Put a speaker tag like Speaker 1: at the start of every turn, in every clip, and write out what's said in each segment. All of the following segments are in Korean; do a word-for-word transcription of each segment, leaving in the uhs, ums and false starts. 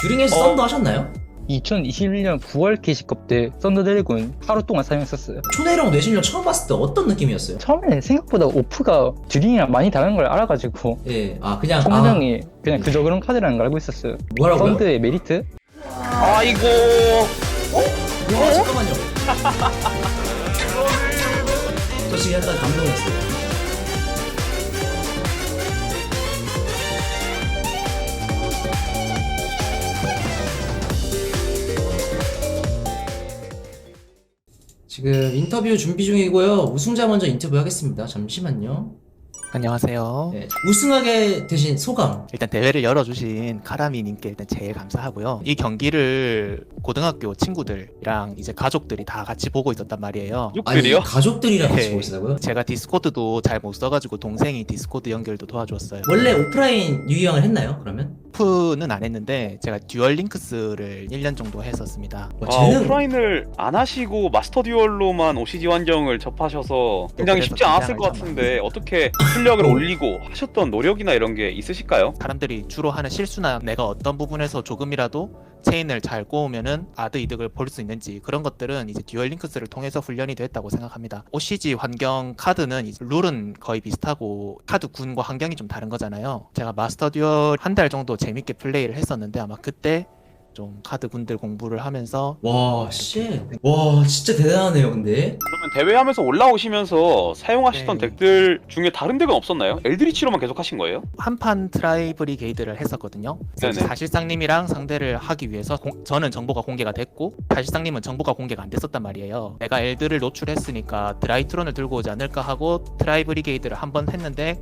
Speaker 1: 듀링에서
Speaker 2: 어.
Speaker 1: 썬더 하셨나요?
Speaker 2: 이천이십일 년 구월 게시급 때 썬더 드래곤 하루 동안 사용했었어요.
Speaker 1: 초내령 뇌신령 처음 봤을 때 어떤 느낌이었어요?
Speaker 2: 처음에 생각보다 오프가 듀링이랑 많이 다른 걸 알아가지고
Speaker 1: 예, 아 그냥
Speaker 2: 총명이 그냥 그저 그런 카드라는 걸 알고 있었어요.
Speaker 1: 아, 뭐라고요?
Speaker 2: 썬드의 메리트?
Speaker 3: 아이고.
Speaker 1: 어? 와 잠깐만요. 저 지금 약간 감동했어요. 지금 인터뷰 준비 중이고요. 우승자 먼저 인터뷰하겠습니다. 잠시만요.
Speaker 4: 안녕하세요.
Speaker 1: 네, 우승하게 되신 소감.
Speaker 4: 일단 대회를 열어주신 카라미님께 일단 제일 감사하고요. 이 경기를 고등학교 친구들이랑 이제 가족들이 다 같이 보고 있었단 말이에요.
Speaker 1: 아니
Speaker 3: 육들이요?
Speaker 1: 가족들이랑 같이
Speaker 4: 네.
Speaker 1: 보고 있다고요?
Speaker 4: 제가 디스코드도 잘 못 써가지고 동생이 디스코드 연결도 도와줬어요.
Speaker 1: 원래 오프라인 유희왕을 했나요? 그러면?
Speaker 4: 오프는 안 했는데 제가 듀얼 링크스를 일 년 정도 했었습니다.
Speaker 1: 와,
Speaker 3: 아,
Speaker 1: 재능.
Speaker 3: 오프라인을 안 하시고 마스터 듀얼로만 오씨지 환경을 접하셔서 굉장히
Speaker 4: 그래서
Speaker 3: 쉽지 않았을 것
Speaker 4: 긴장을
Speaker 3: 같은데 어떻게 실력을 올리고 하셨던 노력이나 이런 게 있으실까요?
Speaker 4: 사람들이 주로 하는 실수나 내가 어떤 부분에서 조금이라도 체인을 잘 꼬우면은 아드 이득을 볼 수 있는지 그런 것들은 이제 듀얼 링크스를 통해서 훈련이 됐다고 생각합니다. 오씨지 환경 카드는 이제 룰은 거의 비슷하고 카드 군과 환경이 좀 다른 거잖아요. 제가 마스터 듀얼 한 달 정도 재밌게 플레이를 했었는데 아마 그때 좀 카드 군들 공부를 하면서
Speaker 1: 와, 씨. 와, 진짜 대단하네요, 근데.
Speaker 3: 그러면 대회하면서 올라오시면서 사용하시던
Speaker 4: 네.
Speaker 3: 덱들 중에 다른 덱은 없었나요? 엘드리치로만 계속 하신 거예요?
Speaker 4: 한판 트라이브리게이드를 했었거든요. 그래서
Speaker 3: 네네.
Speaker 4: 사실상님이랑 상대를 하기 위해서 공- 저는 정보가 공개가 됐고 사실상님은 정보가 공개가 안 됐었단 말이에요. 내가 엘드를 노출했으니까 드라이트론을 들고 오지 않을까 하고 트라이브리게이드를 한 번 했는데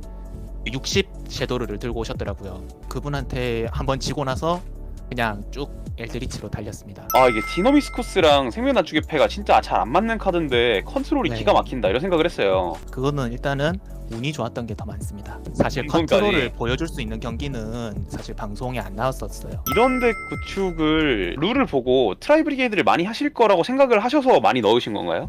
Speaker 4: 육십 섀도르를 들고 오셨더라고요. 그분한테 한 번 지고 나서 그냥 쭉 엘드리치로 달렸습니다.
Speaker 3: 아 이게 디너미스쿠스랑 생명난축의 패가 진짜 잘 안 맞는 카드인데 컨트롤이
Speaker 4: 네.
Speaker 3: 기가 막힌다 이런 생각을 했어요.
Speaker 4: 그거는 일단은 운이 좋았던 게 더 많습니다. 사실
Speaker 3: 이건까지.
Speaker 4: 컨트롤을 보여줄 수 있는 경기는 사실 방송에 안 나왔었어요.
Speaker 3: 이런 덱 구축을 룰을 보고 트라이브리게이드를 많이 하실 거라고 생각을 하셔서 많이 넣으신 건가요?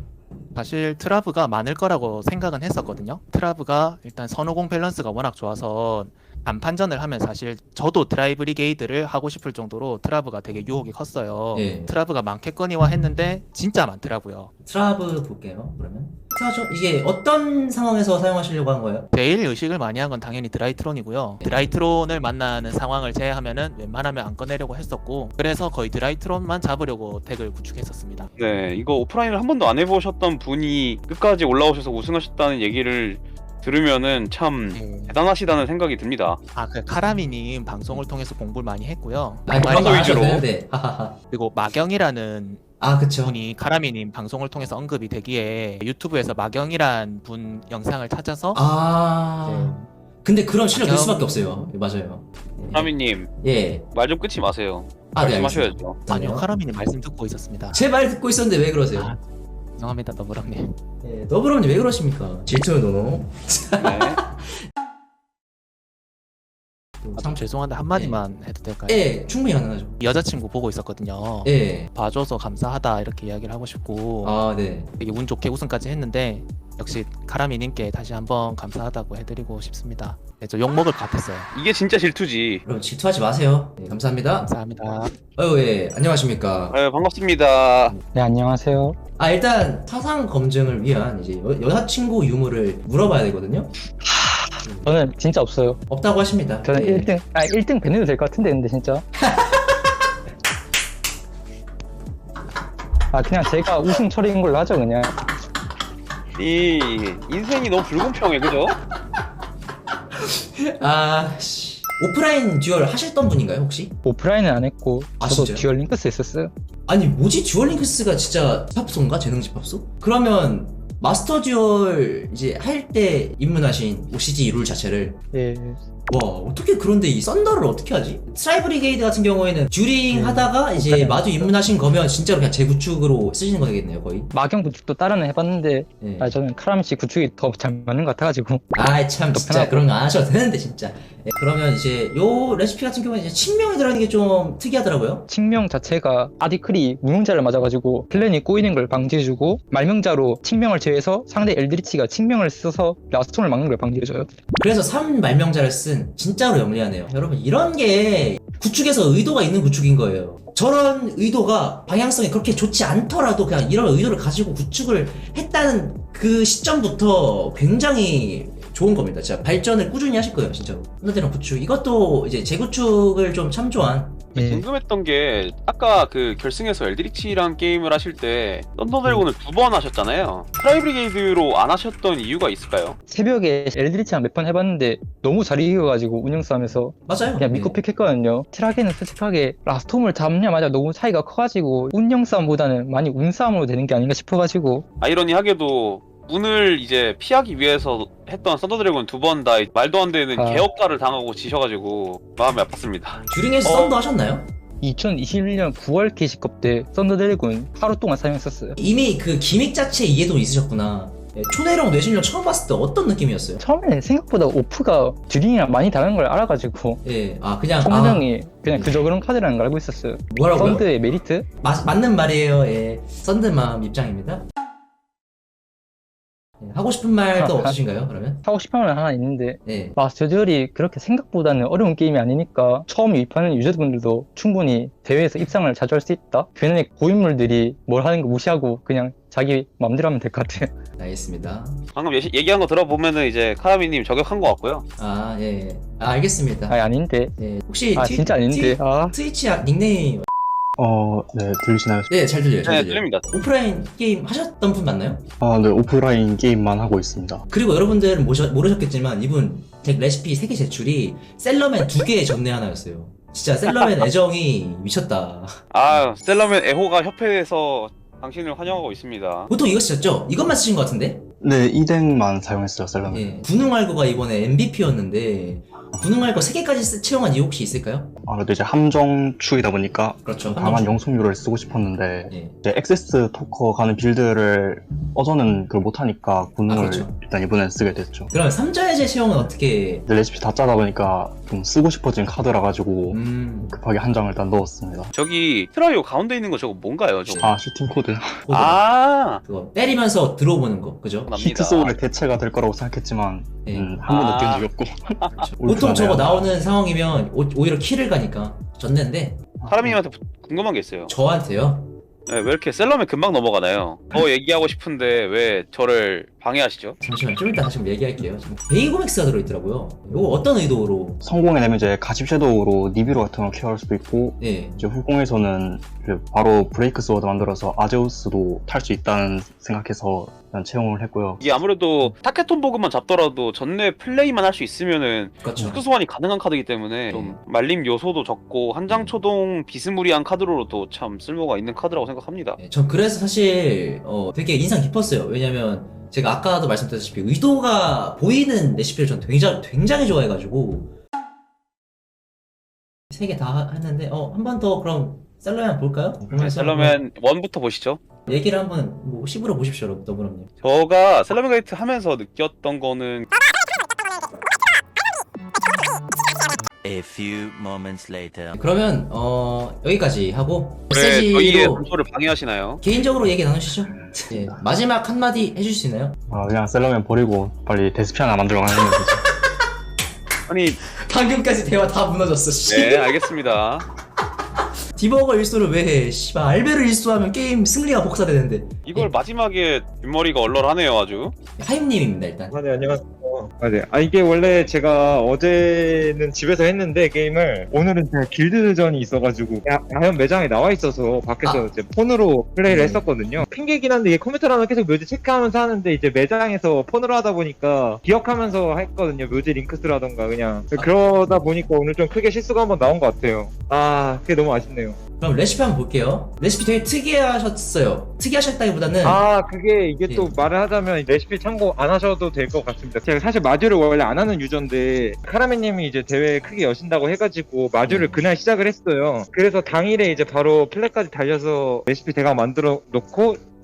Speaker 4: 사실 트라브가 많을 거라고 생각은 했었거든요. 트라브가 일단 선호공 밸런스가 워낙 좋아서 단판전을 하면 사실 저도 드라이브리게이드를 하고 싶을 정도로 트라브가 되게 유혹이 컸어요.
Speaker 1: 예.
Speaker 4: 트라브가 많겠거니와 했는데 진짜 많더라고요.
Speaker 1: 트라브 볼게요, 그러면. 트라죠? 이게 어떤 상황에서 사용하시려고 한 거예요?
Speaker 4: 제일 의식을 많이 한 건 당연히 드라이트론이고요. 드라이트론을 만나는 상황을 제외하면은 웬만하면 안 꺼내려고 했었고 그래서 거의 드라이트론만 잡으려고 덱을 구축했었습니다.
Speaker 3: 네, 이거 오프라인을 한 번도 안 해보셨던 분이 끝까지 올라오셔서 우승하셨다는 얘기를 들으면은 참
Speaker 4: 네.
Speaker 3: 대단하시다는 생각이 듭니다.
Speaker 4: 아, 그 카라미님 방송을 통해서 공부를 많이 했고요.
Speaker 1: 아니,
Speaker 4: 정말
Speaker 1: 그런 거 안 하셔도
Speaker 3: 위주로.
Speaker 1: 되는데. 하하하.
Speaker 4: 그리고 마경이라는
Speaker 1: 아, 그쵸.
Speaker 4: 분이 카라미님 방송을 통해서 언급이 되기에 유튜브에서 마경이란 분 영상을 찾아서
Speaker 1: 아.
Speaker 4: 네.
Speaker 1: 근데 그런 실력 될
Speaker 4: 마경-
Speaker 1: 수밖에 없어요. 예, 맞아요.
Speaker 3: 하미님
Speaker 1: 예.
Speaker 3: 말 좀 끊지 마세요.
Speaker 1: 아, 네,
Speaker 3: 말씀하셔야죠.
Speaker 4: 아니요, 카라미님 말씀 듣고 있었습니다.
Speaker 1: 제 말 듣고 있었는데 왜 그러세요?
Speaker 4: 아, 죄송합니다, 너브랑님.
Speaker 1: 예, 너브럼님 왜 그러십니까? 질투는 노노.
Speaker 3: 네.
Speaker 4: 아, 좀 죄송한데 한마디만 해도 될까요?
Speaker 1: 예, 충분히 가능하죠.
Speaker 4: 여자친구 보고 있었거든요.
Speaker 1: 예.
Speaker 4: 봐줘서 감사하다 이렇게 이야기를 하고 싶고
Speaker 1: 아, 네.
Speaker 4: 되게 운 좋게 우승까지 했는데 역시 카라미님께 다시 한번 감사하다고 해드리고 싶습니다. 네, 저 욕먹을 것 같았어요.
Speaker 3: 이게 진짜 질투지.
Speaker 1: 여러분 질투하지 마세요. 예, 감사합니다.
Speaker 4: 감사합니다.
Speaker 1: 어유 예, 안녕하십니까.
Speaker 3: 네, 반갑습니다.
Speaker 2: 네, 안녕하세요.
Speaker 1: 아, 일단 타상 검증을 위한 이제 여, 여자친구 유무를 물어봐야 되거든요.
Speaker 2: 저는 진짜 없어요.
Speaker 1: 없다고 하십니다.
Speaker 2: 저는
Speaker 1: 예.
Speaker 2: 일 등, 아 일 등 배내도 될 것 같은데 근데 진짜. 아 그냥 제가 우승 처리인 걸로 하죠 그냥.
Speaker 3: 이 인생이 너무 불공평해, 그죠?
Speaker 1: 아, 씨. 오프라인 듀얼 하셨던 분인가요, 혹시?
Speaker 2: 오프라인은 안 했고
Speaker 1: 아,
Speaker 2: 저도
Speaker 1: 진짜요?
Speaker 2: 듀얼 링크스 했었어요.
Speaker 1: 아니, 뭐지? 듀얼 링크스가 진짜 집합소인가? 재능 집합소? 그러면 마스터 듀얼 이제 할 때 입문하신 오씨지 룰 자체를
Speaker 2: 예.
Speaker 1: 와, 어떻게 그런데 이 썬더를 어떻게 하지? 트라이브리게이드 같은 경우에는 듀링
Speaker 2: 음.
Speaker 1: 하다가 이제
Speaker 2: 오프라인
Speaker 1: 마주 입문하신 거면 진짜로 그냥 재구축으로 쓰시는 거겠네요, 거의.
Speaker 2: 마경 구축도 따로는 해봤는데
Speaker 1: 예.
Speaker 2: 아 저는 카라미 씨 구축이 더 잘 맞는 것 같아가지고.
Speaker 1: 아이 참 진짜
Speaker 2: 편하고.
Speaker 1: 그런 거 안 하셔도 되는데 진짜. 예, 그러면 이제 요 레시피 같은 경우는 이제 칙명이 들어가는 게 좀 특이하더라고요.
Speaker 2: 칙명 자체가 아디클이 무명자를 맞아가지고 플랜이 꼬이는 걸 방지해주고, 말명자로 칙명을 제외해서 상대 엘드리치가 칙명을 써서 라스톤을 막는 걸 방지해줘요.
Speaker 1: 그래서 삼 말명자를 쓴 진짜로 영리하네요. 여러분 이런 게 구축에서 의도가 있는 구축인 거예요. 저런 의도가 방향성이 그렇게 좋지 않더라도 그냥 이런 의도를 가지고 구축을 했다는 그 시점부터 굉장히 좋은 겁니다. 진짜 발전을 꾸준히 하실 거예요, 진짜로. 썬더드래곤 구축 이것도 이제 재구축을 좀 참조한.
Speaker 2: 예.
Speaker 3: 궁금했던 게 아까 그 결승에서 엘드리치랑 게임을 하실 때 썬더드래곤을 두 번 하셨잖아요. 트라이브리게이드로 안 하셨던 이유가 있을까요?
Speaker 2: 새벽에 엘드리치랑 몇 번 해봤는데 너무 잘 이겨가지고 운영싸움에서
Speaker 1: 맞아요.
Speaker 2: 그냥 믿고
Speaker 1: 네.
Speaker 2: 픽했거든요. 트라게는 솔직하게 라스톰을 잡냐마자 너무 차이가 커가지고 운영싸움보다는 많이 운싸움으로 되는 게 아닌가 싶어가지고.
Speaker 3: 아이러니하게도 운을 이제 피하기 위해서 했던 썬더드래곤 두 번 다 말도 안 되는
Speaker 2: 아.
Speaker 3: 개업가를 당하고 지셔가지고 마음이 아팠습니다.
Speaker 1: 듀링에서
Speaker 3: 어.
Speaker 1: 썬더 하셨나요?
Speaker 2: 이천이십일 년 구월 게시컵 때 썬더드래곤 하루 동안 사용했었어요.
Speaker 1: 이미 그 기믹 자체에 이해도 있으셨구나. 예, 초내령 뇌신령 처음 봤을 때 어떤 느낌이었어요?
Speaker 2: 처음에 생각보다 오프가 듀링이랑 많이 다른 걸 알아가지고
Speaker 1: 예, 아 그냥
Speaker 2: 총명이 그냥 그저 그런 카드라는 걸 알고 있었어요.
Speaker 1: 아, 뭐라고요?
Speaker 2: 썬드의 메리트?
Speaker 1: 마, 맞는 말이에요. 예, 썬드맘 입장입니다. 예, 하고 싶은 말도 없으신가요? 그러면?
Speaker 2: 하고 싶은 말 하나 있는데,
Speaker 1: 예.
Speaker 2: 마스터 듀얼이 그렇게 생각보다는 어려운 게임이 아니니까 처음 유입하는 유저분들도 충분히 대회에서 입상을 자주 할 수 있다. 괜히 고인물들이 뭘 하는 거 무시하고 그냥 자기 마음대로 하면 될 것 같아요.
Speaker 1: 알겠습니다.
Speaker 3: 방금 예시, 얘기한 거 들어보면은 이제 카라미님 저격한 것 같고요.
Speaker 1: 아, 예. 예. 아, 알겠습니다.
Speaker 2: 아 아닌데.
Speaker 1: 예. 혹시
Speaker 2: 아
Speaker 1: 트-
Speaker 2: 진짜 아닌데.
Speaker 1: 트-
Speaker 2: 아
Speaker 1: 트위치 아- 닉네임
Speaker 5: 어, 네, 들리시나요?
Speaker 1: 네, 잘 들려요. 잘
Speaker 3: 네,
Speaker 1: 들려요.
Speaker 3: 들립니다.
Speaker 1: 오프라인 게임 하셨던 분 맞나요?
Speaker 5: 아, 네, 오프라인 게임만 하고 있습니다.
Speaker 1: 그리고 여러분들은 모셔, 모르셨겠지만 이분 덱 레시피 세 개 제출이 셀러맨 두 개의 전내 하나였어요. 진짜 셀러맨 애정이 미쳤다.
Speaker 3: 아, 셀러맨 애호가 협회에서 당신을 환영하고 있습니다.
Speaker 1: 보통 이거 쓰셨죠? 이것만 쓰신 것 같은데?
Speaker 5: 네, 이 덱만 사용했어요, 셀러맨.
Speaker 1: 예. 군웅알고가 이번에 엠브이피였는데 군웅알고 세 개까지 쓰- 채용한 이유 혹시 있을까요?
Speaker 5: 아무래도 이제 함정 축이다 보니까
Speaker 1: 그렇죠.
Speaker 5: 강한 영속률을 쓰고 싶었는데,
Speaker 1: 예.
Speaker 5: 이제 액세스 토커 가는 빌드를 어저는 그걸 못하니까 군능을
Speaker 1: 아, 그렇죠.
Speaker 5: 일단 이번엔 쓰게 됐죠.
Speaker 1: 그럼 삼자해제 채용은 어떻게?
Speaker 5: 근데 레시피 다 짜다 보니까 좀 쓰고 싶어진 카드라 가지고
Speaker 1: 음.
Speaker 5: 급하게 한 장을 일단 넣었습니다.
Speaker 3: 저기 트라이오 가운데 있는 거 저거 뭔가요? 저거?
Speaker 5: 아, 슈팅 코드.
Speaker 1: 아.
Speaker 3: 아,
Speaker 1: 그거 때리면서 들어오는 거, 그죠?
Speaker 3: 납니다.
Speaker 5: 히트 소울의 대체가 될 거라고 생각했지만,
Speaker 1: 예.
Speaker 5: 음, 한 번도
Speaker 3: 아.
Speaker 5: 뛴 적이 없고.
Speaker 1: 보통 저거
Speaker 5: 울프하네요.
Speaker 1: 나오는 상황이면 오, 오히려 킬을 가니까 졌는데
Speaker 3: 카라미님한테 궁금한 게 있어요.
Speaker 1: 저한테요.
Speaker 3: 네, 왜 이렇게 셀러맨 금방 넘어가나요? 더 얘기하고 싶은데 왜 저를 방해하시죠?
Speaker 1: 잠시만 좀 이따 다시 한번 얘기할게요. 지금 베이고맥스가 들어있더라고요. 이거 어떤 의도로?
Speaker 5: 성공해내면 이제 가십 섀도우로 니비로 같은 걸 케어할 수도 있고,
Speaker 1: 예.
Speaker 5: 이제 후공에서는 이제 바로 브레이크 스워드 만들어서 아제우스도 탈 수 있다는 생각해서 일단 채용을 했고요.
Speaker 3: 이게 아무래도 타케톤 보그만 잡더라도 전내 플레이만 할 수 있으면은
Speaker 1: 그렇죠.
Speaker 3: 특수 소환이 가능한 카드이기 때문에 좀 말림 요소도 적고 한장 초동 비스무리한 카드로도 참 쓸모가 있는 카드라고 생각합니다.
Speaker 1: 예, 전 그래서 사실 어, 되게 인상 깊었어요. 왜냐면 제가 아까도 말씀드렸다시피 의도가 보이는 레시피를 전 굉장히, 굉장히 좋아해가지고 세 개 다 했는데 어, 한 번 더 그럼 셀러맨 볼까요?
Speaker 3: 네,
Speaker 1: 그러면서
Speaker 3: 셀러맨 일부터 보시죠.
Speaker 1: 한번 얘기를 한번 뭐 씹으러 보십시오, 여러분. 더불어님.
Speaker 3: 저가 셀러맨 가이트 하면서 느꼈던 거는
Speaker 6: A few moments later.
Speaker 1: 그러면 어, 여기까지 하고
Speaker 3: 왜 저희의
Speaker 1: 메시지로
Speaker 3: 단소를 방해하시나요?
Speaker 1: 개인적으로 얘기 나누시죠. 예, 마지막 한마디 해주실 수 있나요?
Speaker 5: 아, 그냥 셀러맨 버리고 빨리 데스피 하나 만들어 가는 거죠.
Speaker 3: 아니,
Speaker 1: 방금까지 대화 다 무너졌어. 씨.
Speaker 3: 네, 알겠습니다.
Speaker 1: 디버거 일수를 왜 해? 씨발 알베를 일수하면 게임 승리가 복사되는데.
Speaker 3: 이걸 마지막에 뒷머리가 얼얼하네요, 아주.
Speaker 1: 하임님입니다 일단.
Speaker 7: 아, 네, 안녕하세요. 아, 네. 아, 이게 원래 제가 어제는 집에서 했는데, 게임을. 오늘은 제가 길드전이 있어가지고, 야, 야연 매장에 나와 있어서 밖에서
Speaker 1: 아.
Speaker 7: 이제 폰으로 플레이를
Speaker 1: 음.
Speaker 7: 했었거든요. 핑계긴 한데, 이게 컴퓨터로는 계속 묘지 체크하면서 하는데, 이제 매장에서 폰으로 하다 보니까, 기억하면서 했거든요. 묘지 링크스라던가, 그냥.
Speaker 1: 아.
Speaker 7: 그러다 보니까 오늘 좀 크게 실수가 한번 나온 것 같아요. 아, 그게 너무 아쉽네요.
Speaker 1: 그럼 레시피 한번 볼게요. 레시피 되게 특이하셨어요. 특이하셨다기보다는
Speaker 7: 아, 그게 이게
Speaker 1: 예.
Speaker 7: 또 말을 하자면 레시피 참고 안 하셔도 될 것 같습니다. 제가 사실 마주를 원래 안 하는 유저인데 카라메님이 이제 대회 크게 여신다고 해가지고 마주를
Speaker 1: 음.
Speaker 7: 그날 시작을 했어요. 그래서 당일에 이제 바로 플랫까지 달려서 레시피 대강 만들어 놓고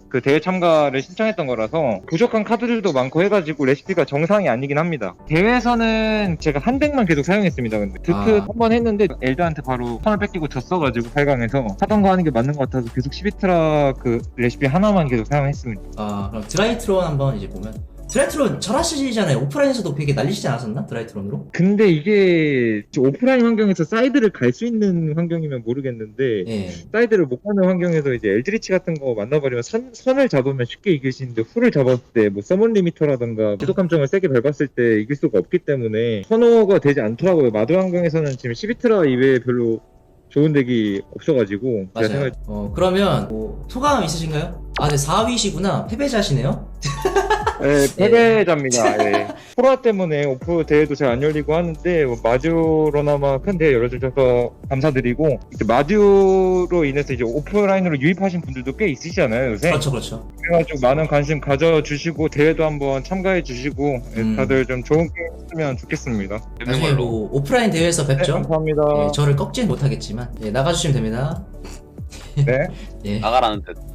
Speaker 7: 그 대회 참가를 신청했던 거라서 부족한 카드들도 많고 해가지고 레시피가 정상이 아니긴 합니다. 대회에서는 제가 한 덱만 계속 사용했습니다. 근데 드크
Speaker 1: 아.
Speaker 7: 한 번 했는데 엘드한테 바로 선을 뺏기고 졌어가지고 팔 강에서 하던 거 하는 게 맞는 것 같아서 계속 시비트라 그 레시피 하나만 계속 사용했습니다.
Speaker 1: 아 그럼 드라이트론 한번 이제 보면 드라이트론 잘하시잖아요. 오프라인에서도 되게 날리시지 않았었나? 드라이트론으로?
Speaker 7: 근데 이게 오프라인 환경에서 사이드를 갈 수 있는 환경이면 모르겠는데
Speaker 1: 예.
Speaker 7: 사이드를 못 가는 환경에서 이제 엘드리치 같은 거 만나버리면 선, 선을 잡으면 쉽게 이길 수 있는데 풀을 잡았을 때 뭐 서먼 리미터라던가 지속 함정을 세게 밟았을 때 이길 수가 없기 때문에 선호가 되지 않더라고요. 마드 환경에서는 지금 시비트라 이외에 별로 좋은 덱이 없어가지고 제가
Speaker 1: 맞아요.
Speaker 7: 생각
Speaker 1: 어 그러면 뭐 소감 있으신가요? 아 네 사 위시구나. 패배자시네요.
Speaker 7: 네, 패배자입니다. 예. 코로나 때문에 오프 대회도 잘 안 열리고 하는데 뭐 마듀로나마 큰 대회 열어주셔서 감사드리고 이제 마듀로 인해서 이제 오프라인으로 유입하신 분들도 꽤 있으시잖아요 요새.
Speaker 1: 그렇죠 그렇죠.
Speaker 7: 그래가지고 많은 관심 가져주시고 대회도 한번 참가해 주시고 예,
Speaker 1: 음.
Speaker 7: 다들 좀 좋은 게임 했으면 좋겠습니다.
Speaker 3: 되는
Speaker 1: 나중에
Speaker 3: 걸로.
Speaker 1: 뭐 오프라인 대회에서
Speaker 7: 네,
Speaker 1: 뵙죠.
Speaker 7: 감사합니다.
Speaker 1: 예, 저를 꺾지는 못하겠지만 예, 나가주시면 됩니다.
Speaker 7: 네.
Speaker 1: 예.
Speaker 3: 나가라는 듯.